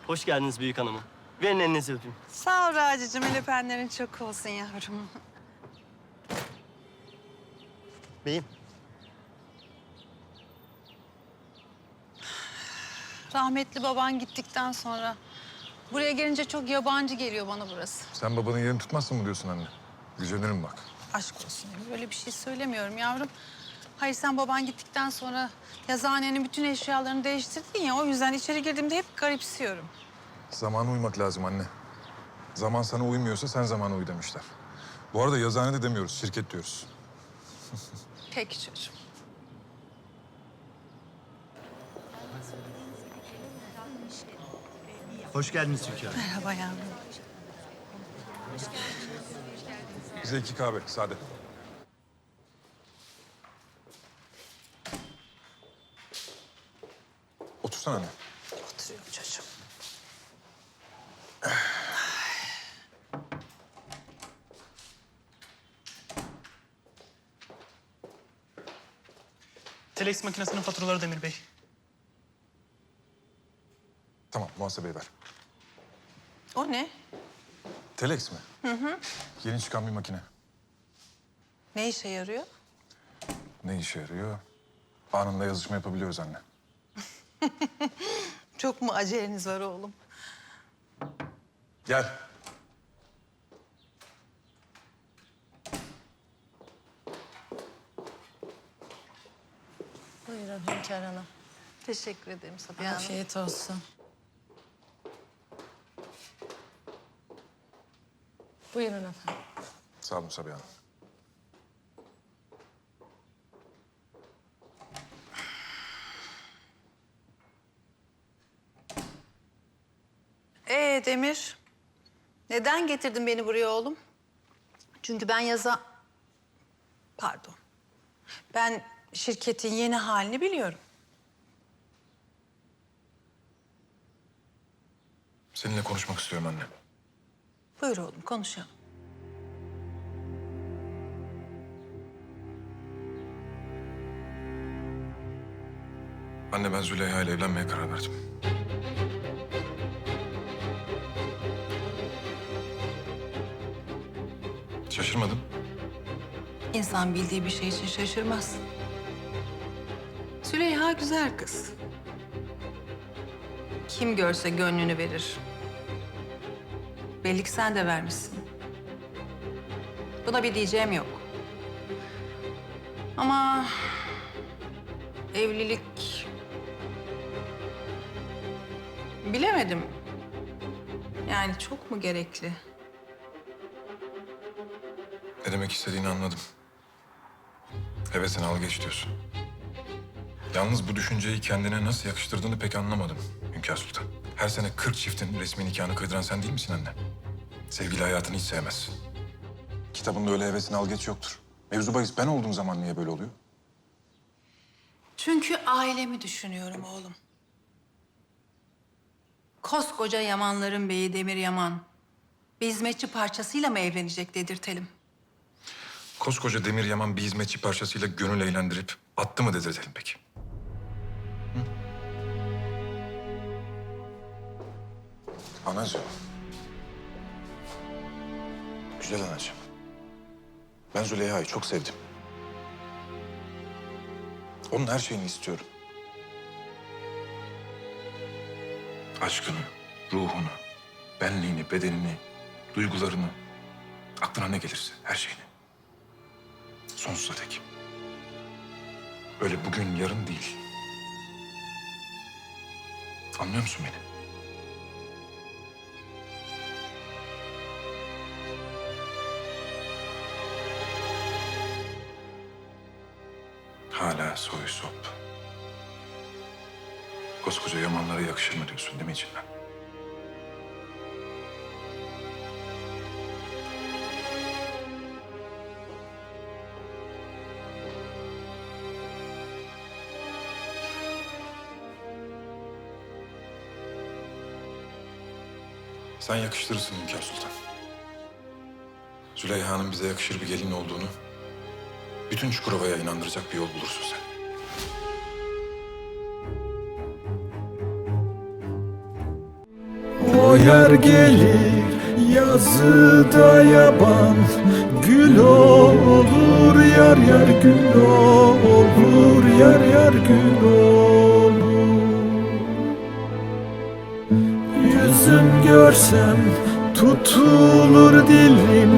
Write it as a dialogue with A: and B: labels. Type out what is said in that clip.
A: Hoş geldiniz büyük hanımım. Verin elinizi öpeyim.
B: Sağ ol Raci'cim. El öpenlerin çok olsun yavrum.
A: Beyim.
B: Rahmetli baban gittikten sonra buraya gelince çok yabancı geliyor bana burası.
C: Sen babanın yerini tutmazsın mı diyorsun anne? Gücenirim bak.
B: Aşk olsun. Böyle bir şey söylemiyorum yavrum. Hayır sen baban gittikten sonra yazıhanenin bütün eşyalarını değiştirdin ya. O yüzden içeri girdiğimde hep garipsiyorum.
C: Zamana uymak lazım anne. Zaman sana uymuyorsa sen zamana uy demişler. Bu arada yazıhane de demiyoruz, şirket diyoruz.
B: Peki çocuğum.
D: Hoş geldiniz hünkârım.
B: Merhaba yavrum.
C: Bize 2 kahve, sade. Otursana anne.
B: Oturuyorum çocuğum.
E: Telex makinesinin faturaları Demir Bey.
C: Tamam, muhasebeye ver.
B: O ne?
C: Telex mi? Hı. Yeni çıkan bir makine.
B: Ne işe yarıyor?
C: Ne işe yarıyor? Anında yazışma yapabiliyoruz anne.
B: Çok mu aceleniz var oğlum?
C: Gel.
F: Buyurun Hünkâr Hanım.
B: Teşekkür ederim Sabiha Hanım.
F: Afiyet olsun. Buyurun efendim.
C: Sağ olun Sabiha Hanım.
B: Demir, neden getirdin beni buraya oğlum? Çünkü Pardon. Ben şirketin yeni halini biliyorum.
C: Seninle konuşmak istiyorum anne.
B: Buyur oğlum, konuşalım.
C: Anne ben Züleyha ile evlenmeye karar verdim. Şaşırmadın.
B: İnsan bildiği bir şey için şaşırmaz. Züleyha güzel kız. Kim görse gönlünü verir. Belli ki sen de vermişsin. Buna bir diyeceğim yok. Ama evlilik... Bilemedim. Yani çok mu gerekli?
C: Ne demek istediğini anladım. Hevesini al geç diyorsun. Yalnız bu düşünceyi kendine nasıl yakıştırdığını pek anlamadım Hünkâr Sultan. Her sene 40 çiftin resmi nikahını kıydıran sen değil misin anne? Sevgili hayatını hiç sevmezsin. Kitabında öyle hevesini al geç yoktur. Mevzu bahis ben olduğum zaman niye böyle oluyor?
B: Çünkü ailemi düşünüyorum oğlum. Koskoca Yamanların beyi Demir Yaman bir hizmetçi parçasıyla mı evlenecek dedirtelim?
C: Koskoca Demir Yaman bir hizmetçi parçasıyla gönül eğlendirip attı mı dedirtelim peki? Hı? Anacığım. Güzel anacığım. Ben Züleyha'yı çok sevdim. Onun her şeyini istiyorum. Aşkını, ruhunu, benliğini, bedenini, duygularını, aklına ne gelirse her şeyini. Sonsuza dek. Öyle bugün, yarın değil. Anlıyor musun beni? Hala soy sop. Koskoca Yamanlara yakışır mı diyorsun değil mi içinden? Sen yakıştırırsın Hünkâr Sultan. Züleyha'nın bize yakışır bir gelin olduğunu bütün Çukurova'ya inandıracak bir yol bulursun sen.
D: yar gelir yazıda yaban, gül olur yar yar gül olur yar yar gül olur. Yüzün görsem tutulur dilim,